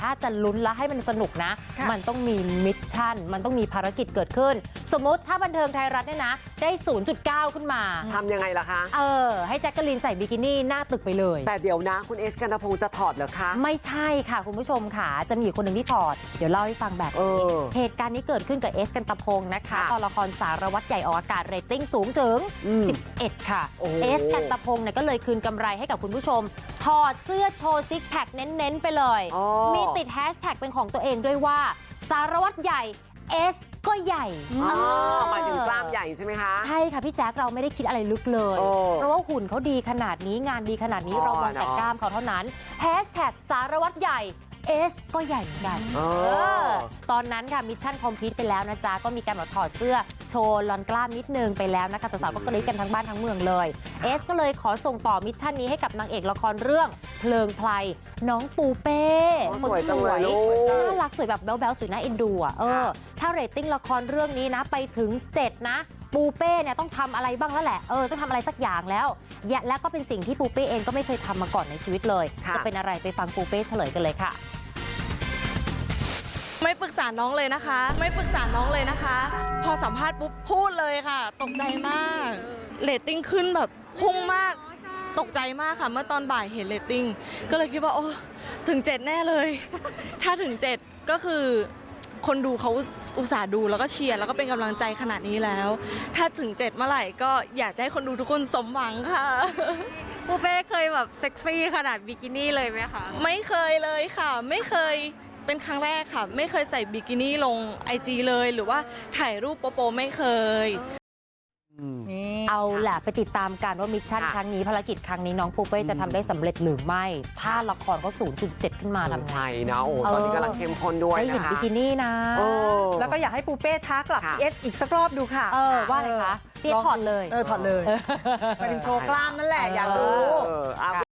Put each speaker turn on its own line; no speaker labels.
ถ้าจะลุ้นและให้มันสนุกนะมันต้องมีมิชชั่นมันต้องมีภารกิจเกิดขึ้นสมมติถ้าบันเทิงไทยรัฐเนี่ยนะได้ 0.9 ขึ้นมา
ทำยังไงล่ะคะ
ให้แจ็คกะลีนใส่บิกินี่หน้าตึกไปเลย
แต่เดี๋ยวนะคุณเอสกันตพงศ์จะถอดเหรอคะ
ไม่ใช่ค่ะคุณผู้ชมค่ะจะมีคนหนึ่งที่ถอดเดี๋ยวเล่าให้ฟังแบบนี้เหตุการณ์นี้เกิดขึ้นกับเอสกันตพงศ์นะคะตอนละครสารวัตรใหญ่ออกอากาศเรตติ้งสูงถึง11ค่ะเอสกันตพงศ์เนี่ยก็เลยคืนกำไรให้กับคุณผู้ชมถอดเสื้อโชว์ซิกแพคเน้นๆไปเลยมีติดแฮชแท็กเป็นของตัวเองด้วยว่าสารวัตรใหญ่เอสก็ใหญ่
หมายถึงกล้ามใหญ่ใช่ไหมคะ
ใช่ค่ะพี่แจ๊คเราไม่ได้คิดอะไรลึกเลยเพราะว่าหุ่นเขาดีขนาดนี้งานดีขนาดนี้เรามองแต่กล้ามเขาเท่านั้นแฮชแท็กสารวัตรใหญ่เอสก็ใหญ่เหมือนกันตอนนั้นค่ะมิชชั่นคอมพลีทไปแล้วนะจ๊ะก็มีการถอดเสื้อโชว์ลอนกล้ามนิดนึงไปแล้วนะคะสาวๆก็กรี๊ดกันทั้งบ้านทั้งเมืองเลยเอสก็เลยขอส่งต่อมิชชั่นนี้ให้กับนางเอกละครเรื่องเพลิงไพรน้องปูเป้คนสวยน่ารักสวยแบบแบ๊วๆสวยน่าเอ็นดูอ่ะถ้าเรตติ้งละครเรื่องนี้นะไปถึง7นะปูเป้เนี่ยต้องทำอะไรบ้างแล้วแหละต้องทำอะไรสักอย่างแล้วและก็เป็นสิ่งที่ปูเป้เองก็ไม่เคยทำมาก่อนในชีวิตเลยจะเป็นอะไรไปฟังปูเป้เฉลยกันเลยค่ะ
ไม่ปรึกษาน้องเลยนะคะไม่ปรึกษาน้องเลยนะคะพอสัมภาษณ์ปุ๊บพูดเลยค่ะตกใจมากเรตติ้งขึ้นแบบพุ่งมากตกใจมากค่ะเมื่อตอนบ่ายเห็นเรตติ้งก็เลยคิดว่าโอ้ถึง7แน่เลยถ้าถึง7ก็คือคนดูเขาอุตส่าห์ดูแล้วก็เชียร์แล้วก็เป็นกำลังใจขนาดนี้แล้วถ้าถึง7เมื่อไหร่ก็อยากจะให้คนดูทุกคนสมหวังค่ะ
ปูเป้เคยแบบเซ็กซี่ขนาดบิกินี่เลยไหมคะ
ไม่เคยเลยค่ะไม่เคยเป็นครั้งแรกค่ะไม่เคยใส่บิกินี่ลง IG เลยหรือว่าถ่ายรูปโป๊ะๆไม่เคย
เอาแหละไปติดตามกันว่ามิชชั่นครั้งนี้ภารกิจครั้งนี้น้องปูเป้จะทำได้สำเร็จหรือไม่ถ้าละครเขา 0.7 ขึ้นมาทำไง
นะโอ้ตอนนี้กำลังเข้มข้นด้วย
ได้เห็นบิกินี่นะ
แล้วก็อยากให้ปูเป้ท้ากลับพี่เอสอีกสักรอบดูค่ะ
ว่าอะไรคะพี่ถอดเลย
ถอดเลยไปถึงโชว์กล้ามนั่นแหละอยากดู